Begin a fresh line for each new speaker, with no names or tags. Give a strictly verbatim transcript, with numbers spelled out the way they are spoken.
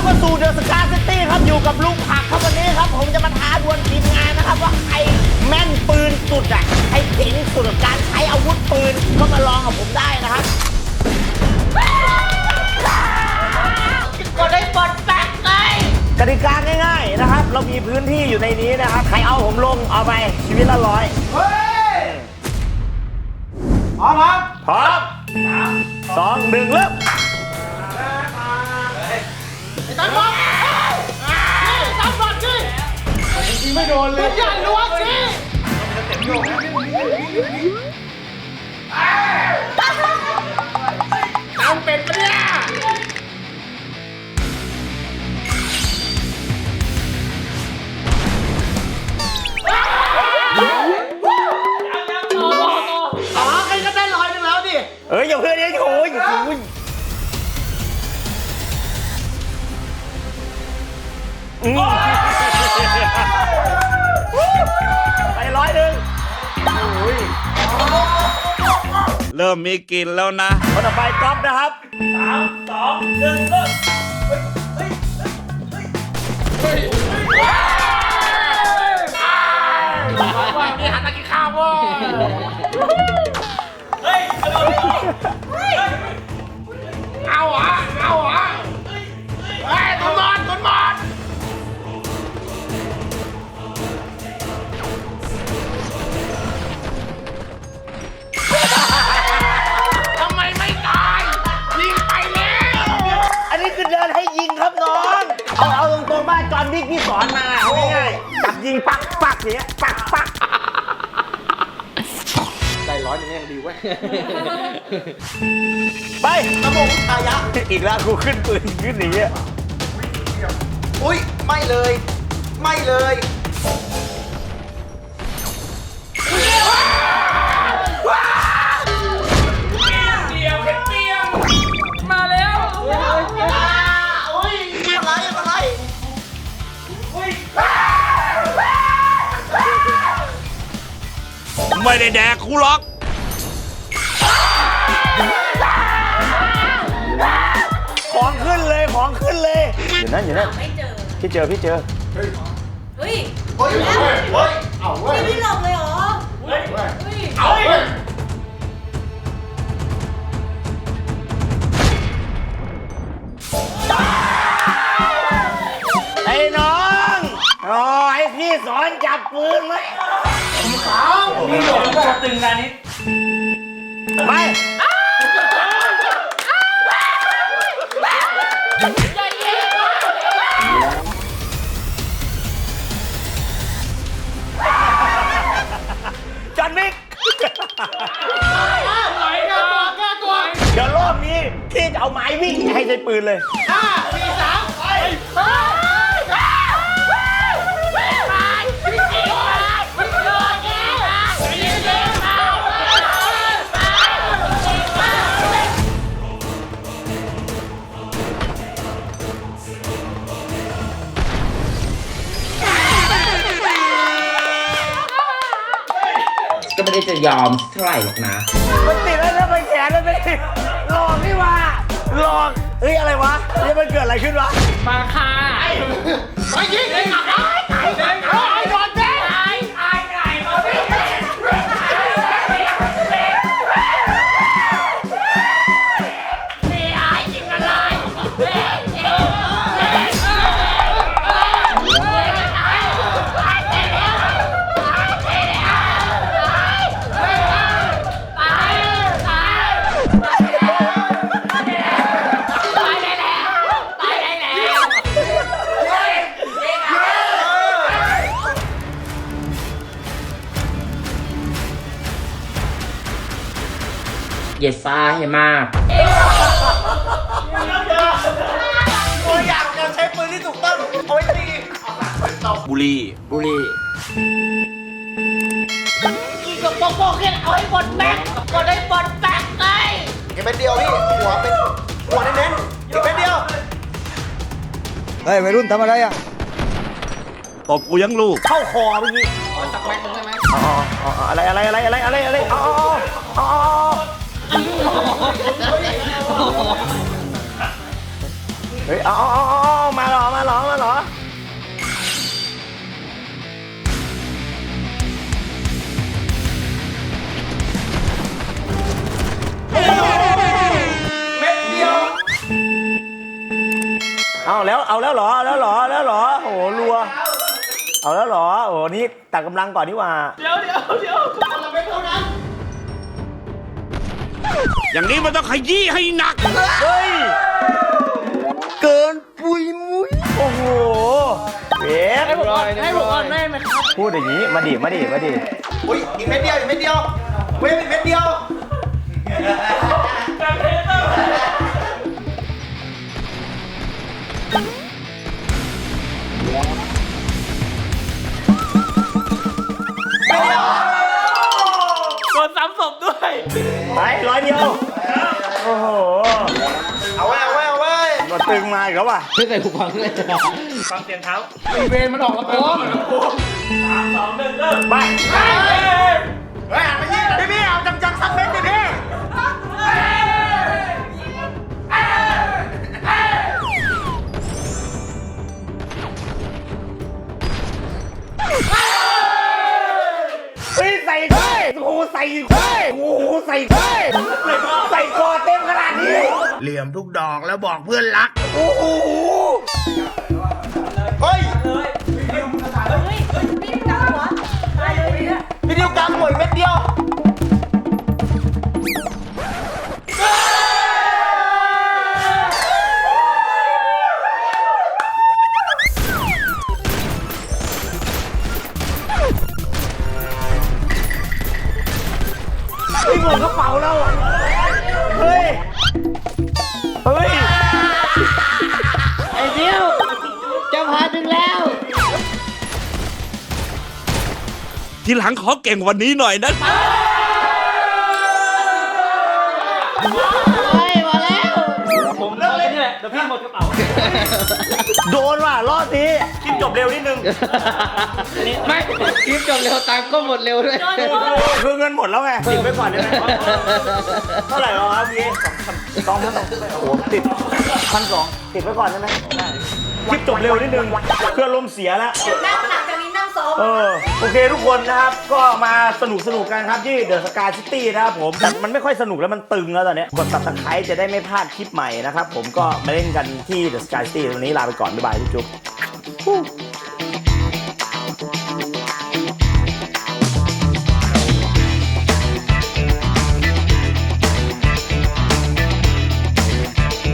เข้าสู่เดอะสกาซิตี้ครับอยู่กับลุงผักครับวันนี้ครับผมจะมาท้าดวลทีมงานนะครับว่าใครแม่นปืนสุดอ่ะใครเจ๋งสุดกับการใช้อาวุธปืนก็มาลองกับผมได้นะครับก็ได้ปลดแป๊กเลยกติกาง่ายๆนะครับเรามีพื้นที่อยู่ในนี้นะครับใครเอาผมลงเอาไปชีวิตละร้อยเฮ้ยพร้อมครับพร้อมสองหนึ่งเริ่มตั้งบอลตั้งบอลสิยิงไม่โดนเลยอย่าล้วงสิตั้งเป็นปะเนี่ยอ๋อใครก็ได้ร้อยหนึ่งแล้วดิเอ้ยอย่าเพื่อนเนี่ยโอ้ยอย่าพูดไปร้อยหนึ่ง
เริ่มมีกลิ่นแล้วนะ
คนต่อไปก๊อฟนะครับสามสองหนึ่งเริ่มว่ามีหันตะกี้ข้าวว่ะเฮ้ยเอาอ่ะเอาอ่ะเฮ้ยตุนบอลตุนบอลทำไมไม่ตายยิงไปแล้วอันนี้คือเดินให้ยิงครับน้องเอาเอาตรงๆบ้านจอห์นวิกพี่สอนมาง่ายๆจับยิงปักปักอย่างเงี้ยปักปักใจร้อนอย่างนี้ยังดีเว้ยไปกระบอกอายะอีกแล้วกูขึ้นปืนขึ้นอย่างเงี้ยอุ้ยไม่เลยไม่เลยมาแล้วอุ้ยอะไรอะไรอุ้ย
ไม่ได้แดกกูหรอก
ของขึ้นเลยของขึ้นเลยอยู่นั่นอยู่นั่นพี่เจอพี่เจอ
เฮ้ยเฮ้ย
เฮ้ยเฮ้ยเอาเว้ย
ไม่หลอกเลยเหรอเฮ้ย
เอาเว้ยไอ้น้องโอ้ยพี่สอนจับปืนไหมขาวมีหลงก็ตึงนะนิดไปจอห์นวิกไหวแก้ตัวแก้ตัวเดี๋ยวรอบนี้พี่จะเอาไม้วิ่งให้ใช้ปืนเลยห้าสี่สามไป
ก็ไม่ได้จะยอมเท่าไหร่หรอกนะ
มันติดแล้วนะมันแขนแล้วไม่ติดหลอกนี่ว่าหลอกเฮ้ยอะไรวะนี่มันเกิดอะไรขึ้นวะมาค่ะไปยิงไอ้หนักไอ้ไอ้ไอ้ไอ้โดนเจ๊ไอ้ไอ้ไอ้มาดินี่ไอ้ยิงอะไร
เย็ดฟ้าให้มาก
ตัวอย่างการใช้ปืนที่ถูกต้องเอาไว้ตี
บุรี
บุรี
ยิงกับโป๊กๆแค่เอาให้หมดแม็กก็ได้หมดแม็กเลย
อีกเป็นเดียวพี่หัวเป็นหัวเน้นๆอีกเป็นเดียวเฮ้ยวัยรุ่นทำอะไรอ่ะ
ตบกูยังลูก
เข้าคอเมื่อกี้สักแม็กนึงได้ไหมอ๋ออะไรอะไรอะไรอะไรอะไรอะไรอ๋ออ๋อเฮ้ยเอาเอาเอามาเอาแล้วเอาแล้วเหรอเอาแล้วเหรอเอาแล้วเหรอโอ้โหรัวเอาแล้วเหรอโอ้โหนี่ตัดกำลังก่อนดีกว่า
เดี๋ยวเดี๋ยวเดี๋ยวเราไม่เท่านั้น
อย่างนี้มันต้องขยี้ให้หนัก
เฮ้ยเกินปุยมุ้ยโอ้โหเวฟ
ให้ผมก่อนให้ผมก่อนได้ไหมครับ
พูดอย่างนี้มาดิมาดิมาดิ
อุ้ยอีกเม็ดเดียวอีกเม็ดเดียวเว้ยอีกเม็ดเดียว
โดนซ้ำศพด้วย
ไปร้อยเดียวโอ้โห
เอาไว้เอาไว้เอาไว้
มาตึงมาอีกแล้วว่ะ
ไม่ใส่หูฟังเลย
ฟังเสียงเท้า
อีเวนมันออกลำโพง
สองหนึ่งเริ่ม
ไป
เฮ้ยหันมายิงพี่พี่เอาจังๆสักเม็ดดิพี่
เฮ้ยใส่เฮ้ยโอ้โหใส่เฮ้ยโอ้โหใส่เฮ้ยใส่คอเต็มขนาดนี้
เหลี่ยมทุกดอกแล้วบอกเพื่อนรัก
โอ้โห
เฮ้ย
พี่กำหัวตายเลยเนี่ย
พี่ดิวกลางหวยเม็ดเดียว
ไอ้หมดกระเป๋าเราเฮ้ยเฮ้ย
ไอ้ดิวจะพาถึงแล้ว
ทีหลังขอเก่งกวันนี้หน่อยนะ
เฮ้ยมาแล้วผมเลิกเลยนี่แหละเดี๋ยวพี่หมดกระเป๋า
โดนว่ะรอบนี้คลิปจบเร็วนิดนึง
ไม่คลิปจบเร็วตังค์ก็หมดเร็วด้วย
คือเงินหมดแล้วไงติดไว้ก่อนได้ไหมเท่าไหร่แล้วครับพี่สองพันสองโอ้โหติดพันสองติดไว้ก่อนได้ไหมคลิปจบเร็วนิดนึงเพื่อลมณ์เสียแล้ว
นั่งหลังจากนี้นั่งซ้อม
เออโอเคทุกคนนะครับก็มาสนุกสนุกกันครับที่เดอะสกายซิตี้นะครับผมแต่มันไม่ค่อยสนุกแล้วมันตึงแล้วตอนเนี้ยกด ซับสไครบ์ จะได้ไม่พลาดคลิปใหม่นะครับผมก็มาเล่นกันที่เดอะสกายซิตี้วันนี้ลาไปก่อนบ๊ายบายทุกจุ๊บ